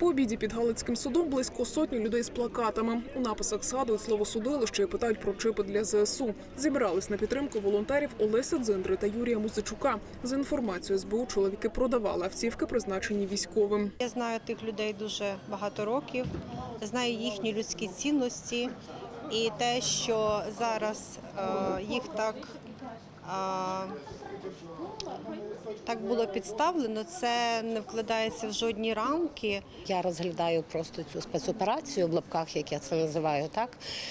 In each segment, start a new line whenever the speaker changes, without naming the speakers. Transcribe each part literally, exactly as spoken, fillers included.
По обіді під Галицьким судом близько сотні людей з плакатами. У написах згадують слово «судилище» і питають про чипи для зе ес у. Зібрались на підтримку волонтерів Олеся Дзиндри та Юрія Музичука. За інформацією ес бе у, чоловіки продавали автівки, призначені військовим.
Я знаю тих людей дуже багато років, знаю їхні людські цінності і те, що зараз е, їх так, е, так було підставлено, це не вкладається в жодні рамки.
Я розглядаю просто цю спецоперацію в лапках, як я це називаю, так,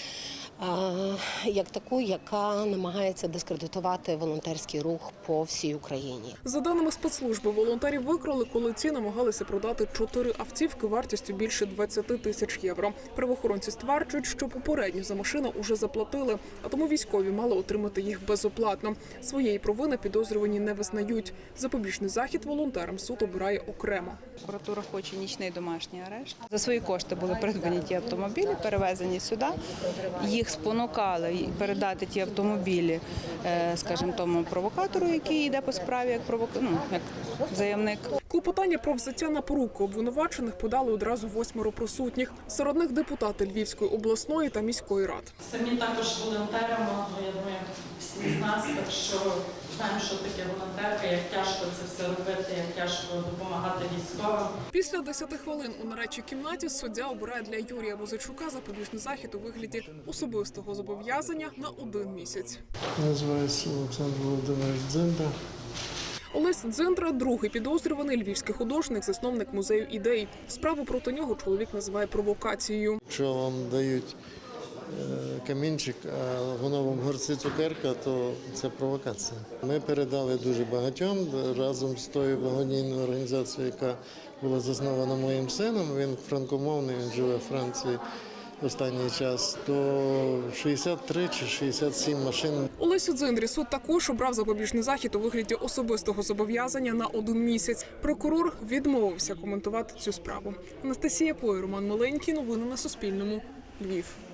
як таку, яка намагається дискредитувати волонтерський рух по всій Україні.
За даними спецслужби, волонтерів викрали, коли ці намагалися продати чотири автівки вартістю більше двадцяти тисяч євро. Правоохоронці стверджують, що попередньо за машину уже заплатили, а тому військові мали отримати їх безоплатно. Своєї провини підозрювані не визнають. Запобіжний захід волонтерам суд обирає окремо.
Прокуратура хоче нічний домашній арешт. За свої кошти були придбані ті автомобілі, перевезені сюди. Їх спонукали передати ті автомобілі, скажімо, тому провокатору, який йде по справі як провок... ну, як заявник.
Клопотання про взяття на поруку обвинувачених подали одразу восьмеро присутніх. Серед них депутати Львівської обласної та міської рад.
Самі також волонтерами, я думаю, всі з нас, так що знаємо, що таке волонтерка, як тяжко це все робити, як тяжко допомагати військовим.
Після десяти хвилин у нарадчій кімнаті суддя обирає для Юрія Музичука запобіжний захід у вигляді особистого зобов'язання на один місяць.
Називається Олександр Володимирович Дзиндра.
Олесь Дзиндра – другий підозрюваний, львівський художник, засновник музею ідей. Справу проти нього чоловік називає провокацією.
Якщо вам дають камінчик, а воно вам горці цукерка, то це провокація. Ми передали дуже багатьом разом з тою благодійною організацією, яка була заснована моїм сином. Він франкомовний, він живе в Франції останній час, то шістдесят три чи шістдесят сім машин.
Олесю Дзиндрі суд також обрав запобіжний захід у вигляді особистого зобов'язання на один місяць. Прокурор відмовився коментувати цю справу. Анастасія Пой, Роман Маленький. Новини на Суспільному. Львів.